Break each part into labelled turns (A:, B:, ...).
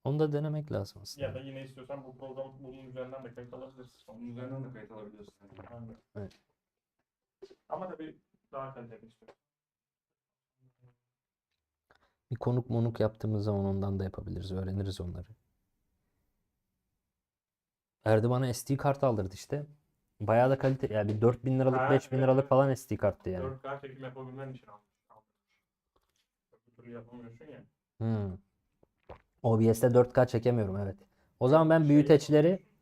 A: Onu da denemek lazım aslında.
B: Ya da yine istiyorsan bu program bunun üzerinden de kayıt alabilirsin.
C: Onun üzerinden de kayıt alabiliyorsun.
B: Aynen.
A: Evet.
B: Ama tabii daha kaliteli istiyorum.
A: Bir konuk monuk yaptığımız zaman ondan da yapabiliriz. Öğreniriz onları. Erdi bana SD kart aldırdı işte. Bayağı da kalite. Yani bir 4.000 liralık
B: Ha,
A: 5.000
B: evet,
A: liralık
B: evet.
A: falan SD karttı yani.
B: 4K çekim yapabilmen için almış. Öbür türlü yapamıyorsun ya.
A: Hmm. OBS'te 4K çekemiyorum, evet. O zaman ben
B: Şey
A: büyüteçleri
B: yapamıyorsun.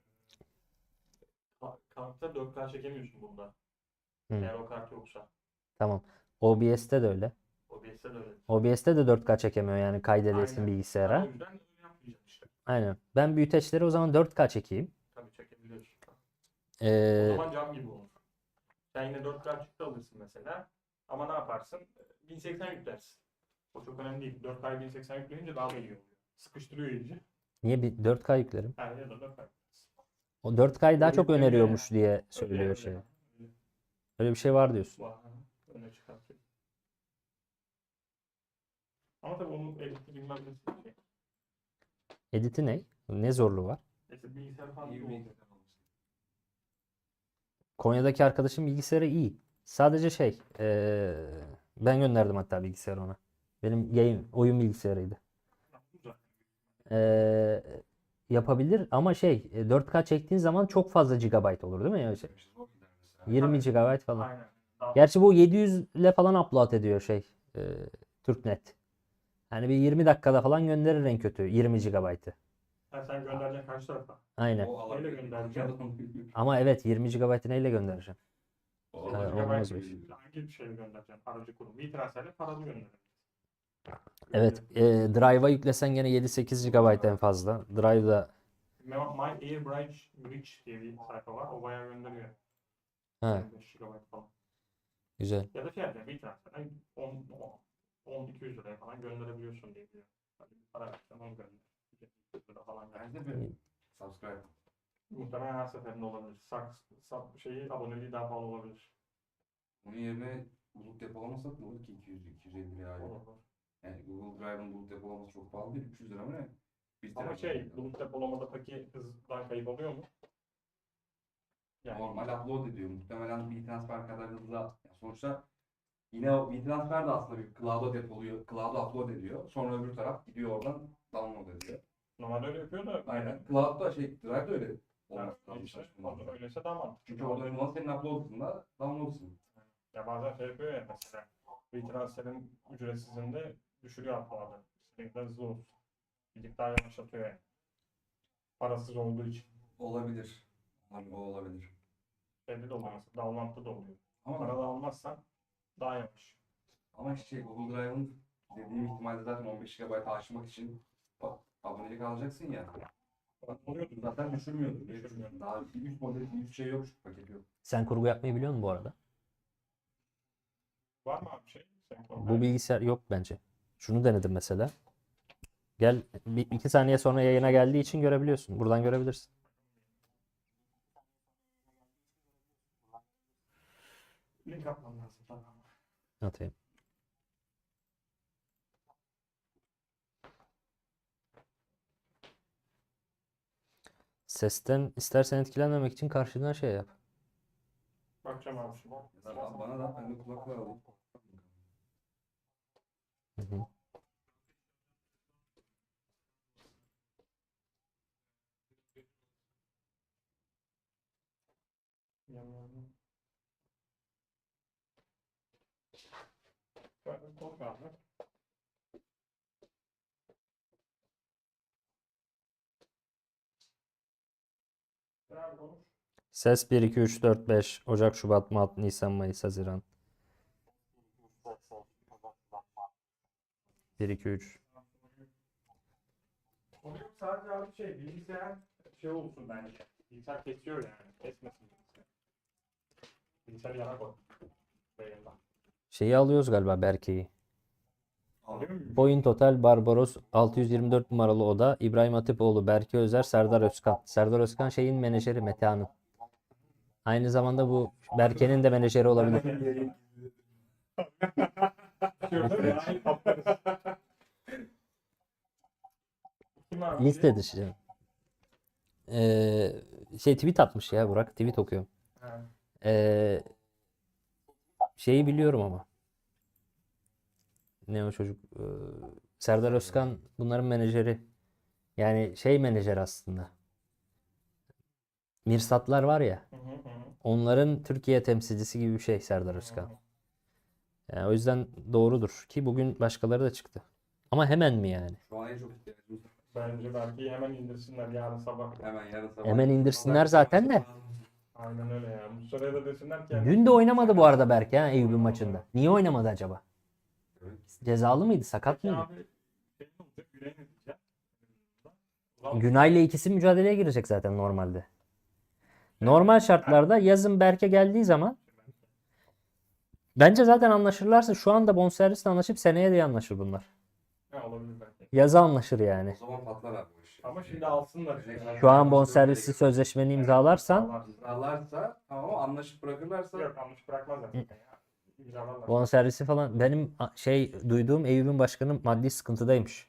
B: Kartta 4K çekemiyorsun bunda.
A: Hmm,
B: Eğer o kart yoksa.
A: tamam. OBS'te de öyle.
B: OBS'de de öyle.
A: OBS'te de 4K çekemiyor yani kaydedesin
B: Aynen. Ben o
A: bilgisayara.
B: yüzden öyle yapmayacağım işte.
A: Aynen. Ben büyüteçleri o zaman 4K çekeyim.
B: Tabii çekebiliyorsun. O
A: Ee,
B: zaman cam gibi olur. Sen yine 4K çıktı alırsın mesela. Ama ne yaparsın? 1080 yüklersin. O çok önemli değil. 4K'yı 1080 yükleyince daha da iyi oluyor. Sıkıştırıyor iyice.
A: niye bir 4K yüklerim?
B: Yani ya da 4K.
A: O 4K'yı daha
B: O
A: çok
B: yükleniyor
A: öneriyormuş
B: yani.
A: diye
B: Öyle
A: söylüyor
B: öyle.
A: şey.
B: Öyle.
A: Öyle bir şey var diyorsun.
B: Vay, öne çıkartıyor. Ama tabii onun editi bilmem nesi şey.
A: Editi ne? Ne zorluğu var?
B: İşte bilgisayar falan
C: İyi
B: iyi
C: bir
B: oluyor.
C: bilgisayar olması.
A: Konya'daki arkadaşım bilgisayarı iyi. Sadece şey, ben gönderdim hatta bilgisayarı ona. Benim yayın, oyun bilgisayarıydı.
B: Güzel.
A: Eee, yapabilir ama şey, 4K çektiğin zaman çok fazla gigabayt olur değil mi? Yani şey,
C: Demişiz, o gider mesela.
A: 20
B: Tabii.
A: gigabayt falan.
B: Aynen. Daha
A: Gerçi bu 700 ile falan upload ediyor şey, Türknet. Yani bir 20 dakikada falan gönderir en kötü 20 gigabaytı.
B: sen göndereceksin karşı tarafa.
A: Aynen.
C: O alabilir.
B: Neyle göndereceğim?
A: Ama evet 20 gigabaytı neyle göndereceğim?
C: O
B: 20
A: Ha,
C: alabilir.
A: olmaz
B: GB
A: bu iş.
B: hangi şeyle göndereceksin? Aracı kurum. WeTransfer'le paralı göndereceksin.
A: Evet, Drive'a yüklesen gene 7-8 GB en fazla. Drive'da
B: My Air Bridge diye bir sayfa var. O bayağı gönderiyor.
A: ha,
B: 25 GB falan.
A: güzel.
B: Ya da şey yapacağım. WeTransfer'den 10-200 liraya falan gönderebiliyorsun diye biliyorum. Hadi bir para versen onu gönder. 100 lira falan gönder.
C: Bence bir subscribe.
B: Muhtemelen her seferinde olabilir. Aboneliği daha pahalı olabilir.
C: Onun yerine bulut depolamasak ne olur ki 200-250 liraya aylık.
B: Olur.
C: Yani Google Drive'ın bulut depolaması çok pahalı değil. 300 lira mı ne? 1
B: Ama
C: TB.
B: bulut depolamadaki hızdan kayıp oluyor mu? Yani
C: Normal upload ediyor. Muhtemelen WeTransfer kadar hızlı. Yani sonuçta yine o WeTransfer de aslında bir cloud'a depoluyor. Cloud'a upload ediyor. Sonra öbür taraf gidiyor oradan download ediyor.
B: normalde öyle yapıyor da.
C: Aynen. Cloud'da Drive'da öyle
B: Yani
C: olması lazım
B: işte,
C: çalışmalarda.
B: öyleyse daha mantıklı.
C: Çünkü orada şu an senin upload'ında download'sın.
B: Ya bazen şey yapıyor ya mesela. WeTransfer'in ücretsizinde düşürüyor upload'ı. Sürekli hızlı olsun. Gidip daha yavaşlatıyor yani. Parasız olduğu için.
C: Olabilir. O olabilir.
B: Şeyde de oluyor mesela. Download'da da oluyor.
C: Ama
B: Parada almazsan daha yavaş.
C: ama Google Drive'ın dediğim ihtimalde zaten 15 GB aşmak için abonelik alacaksın ya.
B: Oluyordur.
C: Zaten düşürmüyordur. Diye
B: Düşürmüyor.
C: düşünüyorum. Daha bir üst model bir üst şey yok, şu paket yok.
A: Sen kurgu yapmayı biliyor musun bu arada?
B: Var mı abi şey?
A: Bu bilgisayar yok bence. Şunu denedim mesela. Gel, 2 saniye sonra yayına geldiği için görebiliyorsun. Buradan görebilirsin.
B: Link atmam lazım. Tamam.
A: Atayım. Sesten istersen etkilenmemek için karşıdan şey yap.
B: Bakacağım abi şimdi.
C: Ya da bana da ben de kulaklığı alayım.
A: Hı hı.
B: Böyle konuş abi. Abi konuş.
A: Ses 1, 2, 3, 4, 5. Ocak, Şubat, Mart, Nisan, Mayıs, Haziran. 1, 2, 3.
B: Onu yok, sadece abi bilgisayar şey olsun bence. Bilgisayar kesiyor yani. Kesmesin bilgisayar. Bilgisayarı yana koy. Yayından.
A: Şeyi alıyoruz galiba, Berke'yi.
B: Alıyor muyum?
A: Boyun Total, Barbaros, 624 numaralı oda, İbrahim Hatipoğlu, Berke Özer, Serdar Özkan. Serdar Özkan şeyin menajeri, Metehan'ın. Aynı zamanda bu Berke'nin de menajeri olabilir.
B: Kim abi?
A: Liste dışı. Tweet atmış ya Burak. Tweet okuyorum.
B: Ha.
A: Şeyi biliyorum ama. Ne o çocuk? Serdar Özkan bunların menajeri. Yani menajer aslında. Mirsatlar var ya.
B: Hı hı hı.
A: Onların Türkiye temsilcisi gibi bir şey Serdar Özkan. Yani o yüzden doğrudur ki bugün başkaları da çıktı. Ama hemen mi yani?
C: Şu an en çok ihtiyacımız var.
B: Bence belki hemen indirsinler yarın sabah.
C: Hemen yarın sabah.
A: Hemen indirsinler zaten de.
B: Aynen öyle ya. Mustafa'ya da desinler ki
A: Dün de oynamadı bu arada Berke ha Eyüp'ün maçında. Niye oynamadı acaba?
C: Evet.
A: Cezalı mıydı? Sakat
B: Peki
A: mıydı?
B: abi şey ne olacak? Güney ne diyecek?
A: Günay'la ikisi mücadeleye girecek zaten normalde. Normal şartlarda yazın Berke geldiği zaman bence zaten anlaşırlarsa şu anda bonservisle anlaşıp seneye de anlaşır bunlar.
B: Ha, olabilir belki.
A: Yaza anlaşır yani.
C: O zaman patlar abi bu iş.
B: Ama şimdi alsınlar işte.
A: Şu an bonservisli sözleşmeni imzalarsan
C: İmzalarsa tamam ama anlaşıp bırakırlarsa
B: Yok yanlış bırakmazlar zaten ya. İmzalarlar.
A: bonservisi falan benim duyduğum Eyüp'ün başkanı maddi sıkıntıdaymış.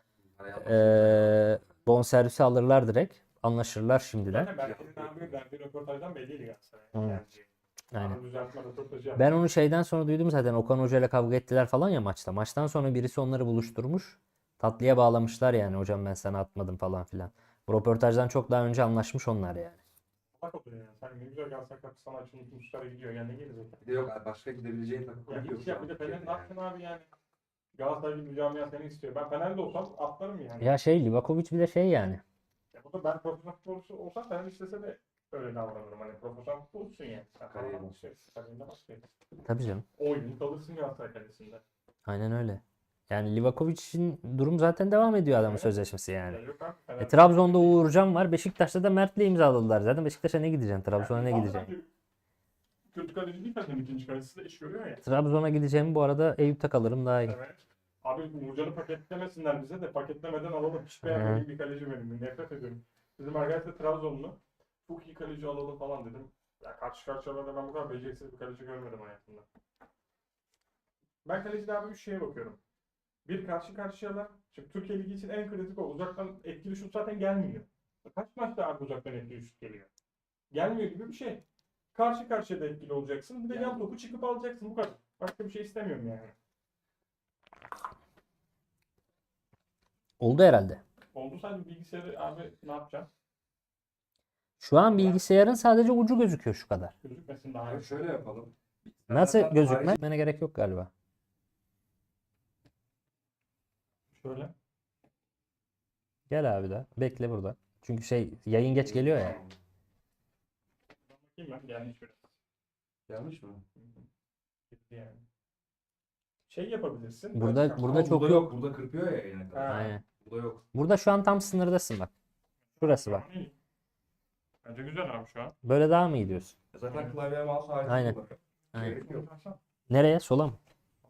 A: Bonservisi alırlar direkt. Anlaşırlar şimdiden.
B: Zaten Berke'nin abi verdiği röportajdan belliydi Galatasaray.
A: Hı.
B: Yani
A: Aynen.
B: Aynen. Düzeltme röportajı yaptı.
A: Ben onu şeyden sonra duydum zaten. Okan Hoca ile kavga ettiler falan ya maçta. Maçtan sonra birisi onları buluşturmuş. Tatlıya bağlamışlar yani. Hocam ben sana atmadım falan filan. Bu röportajdan çok daha önce anlaşmış onlar yani.
B: Bak oluyor yani. Sen ne güzel Galatasaray kapı sana açılmış Mustafa'ya gidiyor. Yani ne gelecek?
C: bir de yok abi, başka gidebileceğin takım
B: Ya
C: yok
B: hiç
C: şu
B: ya
C: an
B: bir de Fener ne
C: Türkiye'de
B: yapacaksın abi yani? Galatasaray gibi bir camia seni istiyor. Ben Fener'de olsam atlarım yani.
A: Ya Livakovic bir de yani.
B: Ya bu da ben profesyonel futbolcu olsam Fener istese de öyle davranırım. Hani profesyonel futbolcusun yani. Sen
C: Kariyer.
B: falan kariyerine başlayacaksın.
A: Tabii canım.
B: 10 yıl kalırsın Galatasaray kalesinde.
A: Aynen öyle. Yani Livakovic'in durum zaten devam ediyor adamın
B: Evet.
A: sözleşmesi yani.
B: Ya yok abi, Fener-
A: Trabzon'da Uğurcan var. Beşiktaş'ta da Mert'le imzaladılar. Zaten Beşiktaş'a ne gideceksin? Trabzon'a ne
B: Yani
A: gideceksin?
B: bence kötü kaleci değil zaten ikinci kalecisi de iş görüyor ya.
A: Trabzon'a gideceğim bu arada Eyüp'te kalırım daha iyi.
B: Evet. Abi Uğurcan'ı paketlemesinler bize de paketlemeden alalım. Hiç
A: Hı.
B: beğenmediğim bir kaleci benim. Nefret ediyorum. Bizim arkadaş da Trabzonlu. Çok iyi kaleci alalım falan dedim. Ya karşı karşıyalarda ben bu kadar beceriksiz bir kaleci görmedim hayatımda. Ben kalecide abi 3 şeye bakıyorum. Bir karşı karşıyalar. Şimdi Türkiye Ligi için en kritik o. Uzaktan etkili şut zaten gelmiyor. Kaç maçta abi uzaktan etkili şut geliyor? Gelmiyor gibi bir şey. Karşı karşıya da etkili olacaksın. Bir de yan topu çıkıp alacaksın. Bu kadar. Başka bir şey istemiyorum yani.
A: Oldu herhalde.
B: Oldu sadece bilgisayarı abi ne yapacağım?
A: Şu an bilgisayarın sadece ucu gözüküyor şu kadar.
B: Gözükmesin daha iyi.
C: Abi şöyle yapalım.
A: Nasıl
C: Zaten
A: gözükmene gerek yok galiba.
B: Şöyle.
A: Gel abi de. Bekle burada. Çünkü yayın geç geliyor ya.
B: Bakayım ben gelmiş biraz.
C: Yanlış mı?
B: Gitti yani. Şey yapabilirsin.
A: Burada
C: Ama
A: çok
C: burada
A: yok.
C: Burada kırpıyor ya yine kadar.
B: Ha.
A: Aynen.
C: Burada yok.
A: Burada şu an tam sınırdasın bak. Şurası bak.
B: İyi. Bence güzel abi şu an.
A: Böyle daha mı iyi diyorsun?
C: Zaten klavye mouse harici
A: Aynen.
C: kullanıyor.
A: Aynen.
C: Gerek yok.
A: Nereye? Sola mı?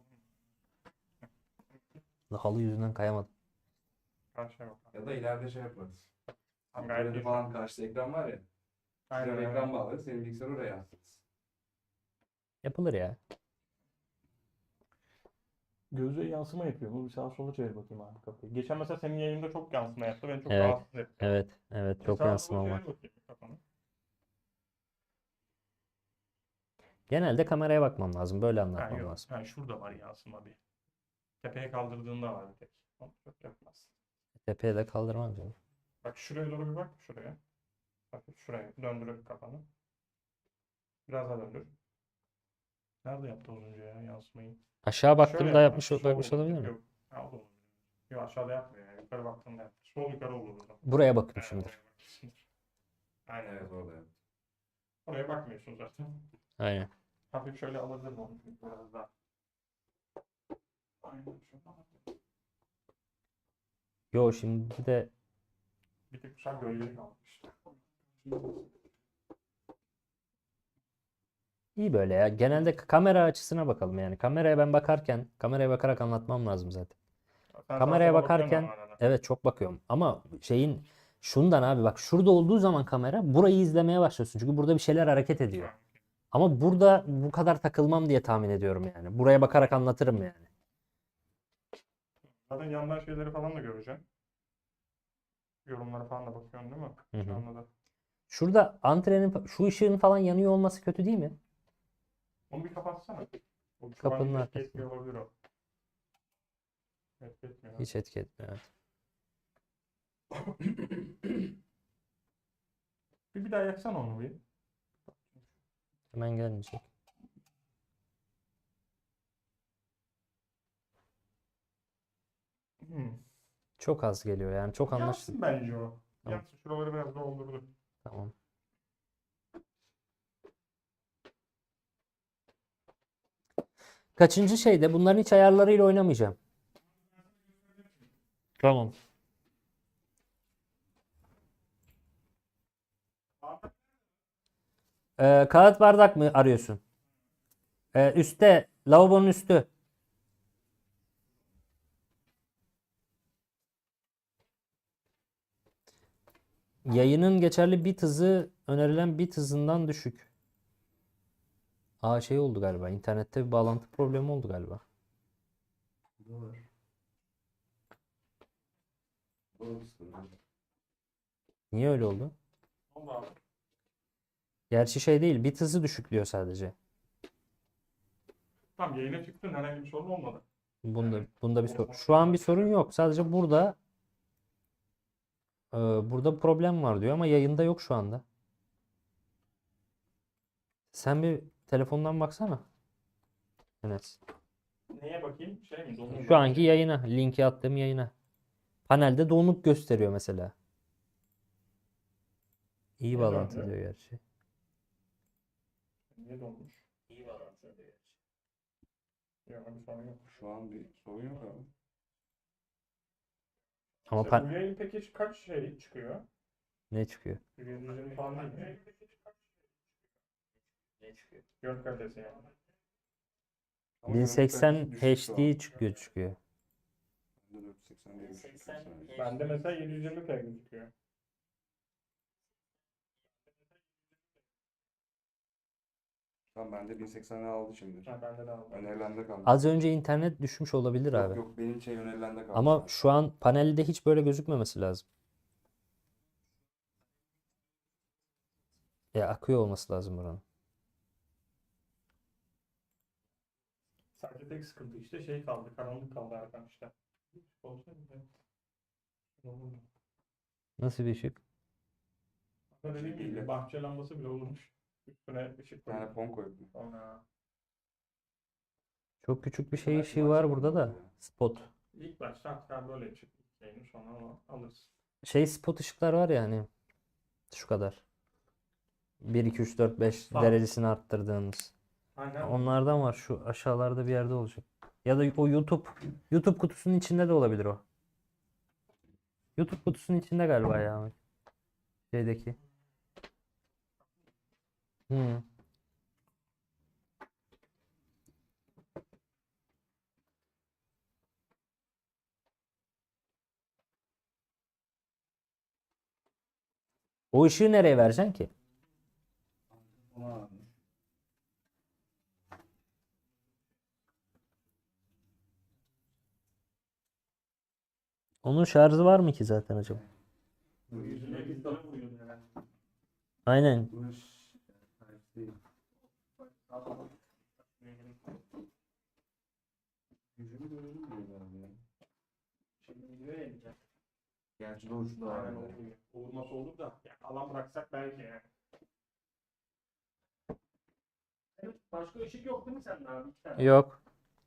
A: Halı yüzünden kayamadım.
B: Karşıya bak.
C: Ya da ileride şey yaparız.
B: Tamam, gayet
C: Ankara'da
B: iyi.
C: falan karşıda ekran var ya.
B: Aynen
C: Aynen,
B: öyle.
C: ekran bağlarız. Senin bilgisayarı oraya yansıtırız.
A: Yapılır ya.
B: Gözü yansıma yapıyor. Bu bir sağa sola çevir bakayım abi kafayı. Geçen mesela senin yayında çok yansıma yaptı. Beni çok
A: Evet.
B: rahatsız etti.
A: Evet. Evet. Çok
B: Sağa
A: yansıma
B: sola
A: var.
B: çevir bakayım kafanı.
A: Genelde kameraya bakmam lazım. Böyle
B: Ha,
A: anlatmam
B: yok.
A: lazım.
B: Ha, şurada var yansıma bir. Tepeye kaldırdığında var bir tek. Onu çok yapmaz.
A: Tepeye de kaldırmam canım.
B: Bak şuraya doğru bir bak. Şuraya. Bak şuraya. Döndür kafanı. Biraz daha döndür. Nerede yaptı az önce ya yansımayı?
A: Aşağı
B: Şöyle
A: baktığımda
B: yapar.
A: yapmış
B: Sol
A: bakmış
B: olur.
A: olabilir mi?
B: Yok. Ha, o da olabilir. Yok aşağıda yapmıyor yani. Yukarı baktığında yaptı. Sol yukarı olur o zaman.
A: Buraya
B: Evet,
A: bakmışımdır.
B: oraya bakmışsındır. Aynen
C: Evet
B: evet.
C: orada yaptım.
B: Oraya bakmıyorsun zaten.
A: Aynen.
B: Hafif şöyle alabilirim onu. Biraz daha. Aynen şuradan.
A: Yo şimdi de
B: Bir tek şu an gölgelik almış.
A: iyi böyle ya. Genelde kamera açısına bakalım yani. Kameraya bakarak anlatmam lazım zaten.
B: Sen
A: Kameraya
B: sağa sola bakıyorsun
A: bakarken
B: ama arada.
A: evet çok bakıyorum. Ama şundan abi bak şurada olduğu zaman kamera burayı izlemeye başlıyorsun. Çünkü burada bir şeyler hareket ediyor. Ama burada bu kadar takılmam diye tahmin ediyorum yani. Buraya bakarak anlatırım yani.
B: Zaten yandan şeyleri falan da göreceğim. Yorumlara falan da bakıyorsun değil mi?
A: Hı hı.
B: Şu anda da.
A: Şurada antrenin şu ışığın falan yanıyor olması kötü değil mi?
B: Onu bir kapatsana. O şu
A: Kapının
B: an etki
A: arkasında.
B: etmiyor olabilir o. Etki etmiyor.
A: Hiç etki etmiyor. Evet.
B: Bir daha yaksana onu bir.
A: Hemen gelmeyecek.
B: Hmm.
A: Çok az geliyor yani. Çok anlaşılır.
B: Yansın bence o.
A: Tamam.
B: Yansın. Şuraları biraz doldurdu.
A: Tamam. Kaçıncı şeyde? Bunların hiç ayarlarıyla oynamayacağım. Tamam. Kağıt bardak mı arıyorsun? Üstte. Lavabonun üstü. Yayının geçerli bit hızı önerilen bit hızından düşük. Aa şey oldu galiba. İnternette bir bağlantı problemi oldu galiba.
C: Doğru. Doğru sıkıntı.
A: Niye öyle oldu?
B: Oldu abi.
A: Gerçi şey değil. Bit hızı düşük diyor sadece.
B: Tamam, yayına çıktın, herhangi bir sorun olmadı.
A: Bunda bir sorun. Şu an bir sorun yok. Sadece burada problem var diyor ama yayında yok şu anda. Sen bir telefondan baksana. Evet.
B: Neye bakayım? Şey mi? Donuk
A: Şu anki yayına, linki attığım yayına. Panelde donuk gösteriyor mesela. İyi
B: Niye
A: bağlantı
B: dönmüyor?
A: diyor gerçi.
B: Niye donmuş?
A: İyi bağlantı diyor gerçi.
B: Yok, bir sorun yok.
C: Şu an bir sorun yok abi.
A: Ama
B: İşte bu yayın peki kaç şey çıkıyor?
A: ne çıkıyor?
B: 120 falan değil mi?
A: Ne çıkıyor?
B: Görüntü kalitesi yani.
C: Ama görüntü
A: 1080
C: kalitesi düşük şu an.
A: HD çıkıyor.
C: Bende 480 diye düşük mesela.
B: Bende mesela 720p gözüküyor.
C: Tamam bende 1080'e aldı şimdi.
B: Ha, bende de aldım.
C: Önerilende kaldı.
A: Az önce internet düşmüş olabilir
C: Yok
A: abi.
C: yok benim şey önerilende kaldı.
A: Ama
C: sadece.
A: şu an panelde hiç böyle gözükmemesi lazım. Ya akıyor olması lazım buranın.
B: Sadece tek sıkıntı işte şey kaldı. Karanlık kaldı Erkan işte. Olsa güzel. Olurdu.
A: Nasıl bir ışık?
B: Ama dediğim gibi bahçe lambası bile olurmuş. Üstüne ışık
C: Bir tane
B: koyuyor.
C: fon koydum.
B: Sonra
A: Çok küçük bir
C: Bu
A: şey
C: sefer
A: ışığı var
C: başka
A: burada
C: bir
A: da.
C: oluyor.
A: Spot.
B: ilk başta hatta böyle çıktı şeyini, sonra onu alırız.
A: Şey spot ışıklar var ya hani şu kadar. 1, 2, 3, 4, 5
B: Tamam.
A: derecesini arttırdığımız.
B: Aynen.
A: Onlardan var. Şu aşağılarda bir yerde olacak. Ya da o YouTube kutusunun içinde de olabilir o. YouTube kutusunun içinde galiba ya. Şeydeki. Hı. O ışığı nereye vereceksin ki?
C: Ama
A: Onun şarjı var mı ki zaten acaba?
B: Yüzüne bir taraf koyuyordu herhalde.
A: Aynen.
C: bu iş değil. Yüzümü görelim diyor abi ya.
B: Şimdi videoya ineceğim.
C: Gerçi doğru şu da
B: Aynen
C: var.
B: olur. Olması olur da. Yani alan bıraksak belki yani. Evet, başka ışık yok değil mi sende abi? İki tane.
A: Yok.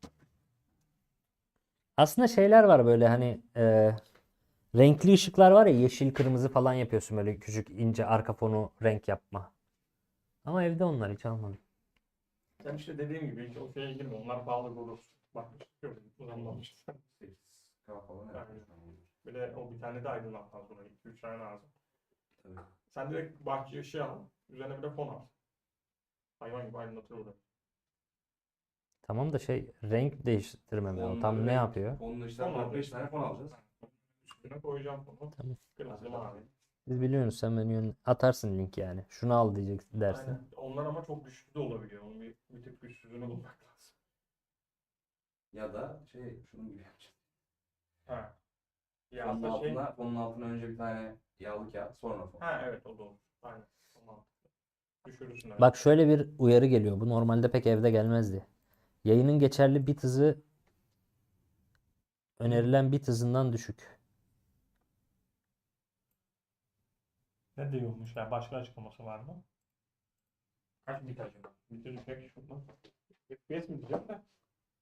A: Aslında şeyler var böyle hani renkli ışıklar var ya yeşil kırmızı falan yapıyorsun böyle küçük ince arka fonu renk yapma. Ama evde onlar hiç almadım.
B: Sen işte dediğim gibi hiç o şeye girme. Onlar pahalı olur. Bak yok. Uzanmamış.
C: 8K falan yapmış.
B: Bir de o bir tane de aydınlatma sonra. 2-3 tane lazım.
C: Tabii.
B: Sen direkt bahçe ışığı al. Üzerine bir de fon al. Hayvan gibi aydınlatır orada.
A: Tamam da şey renk değiştirmem lazım. Tam ne yapıyor?
C: Fonla işte
B: Fon
C: 4-5
B: alacağız.
C: tane fon alacağız.
B: Üstüne koyacağım fonu.
A: Tamam.
B: Kırmızı mavi.
A: Biz biliyoruz sen beni atarsın link yani. Şunu al diyeceksin dersin.
B: Aynen. Onlar ama çok güçlü de olabiliyor. Onun bir tık güçsüzünü bulmak lazım.
C: Ya da şey şunun gibi yapacağız.
B: Ha. Ya
C: Fonun
B: aslında şey...
C: altına, fonun altına önce bir tane yağlı kağıt, sonra fon.
B: Ha evet, o da olur. Aynen. Tamam. Düşürürsün evet.
A: Bak şöyle bir uyarı geliyor. Bu normalde pek evde gelmezdi. Yayının geçerli bit hızı önerilen bit hızından düşük.
B: Ne diyormuş ya? Başka açıklaması var mı? Kaç bit acaba? Biti düşmek şurada. FPS mi diyeceğim de?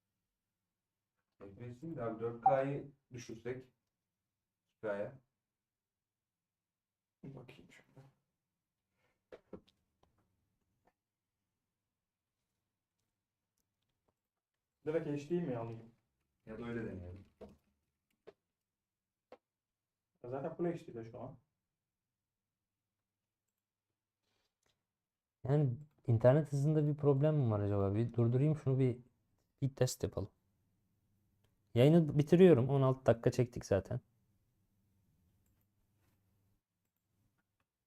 C: FPS'in de abi 4K'yı düşürsek 2K'ya.
B: Bir bakayım şurada. Direkt HD mi alayım?
C: Ya da öyle deneyelim.
B: Zaten Full HD'de şu an.
A: Yani internet hızında bir problem mi var acaba? Bir durdurayım şunu, bir test yapalım. Yayını bitiriyorum. 16 dakika çektik zaten.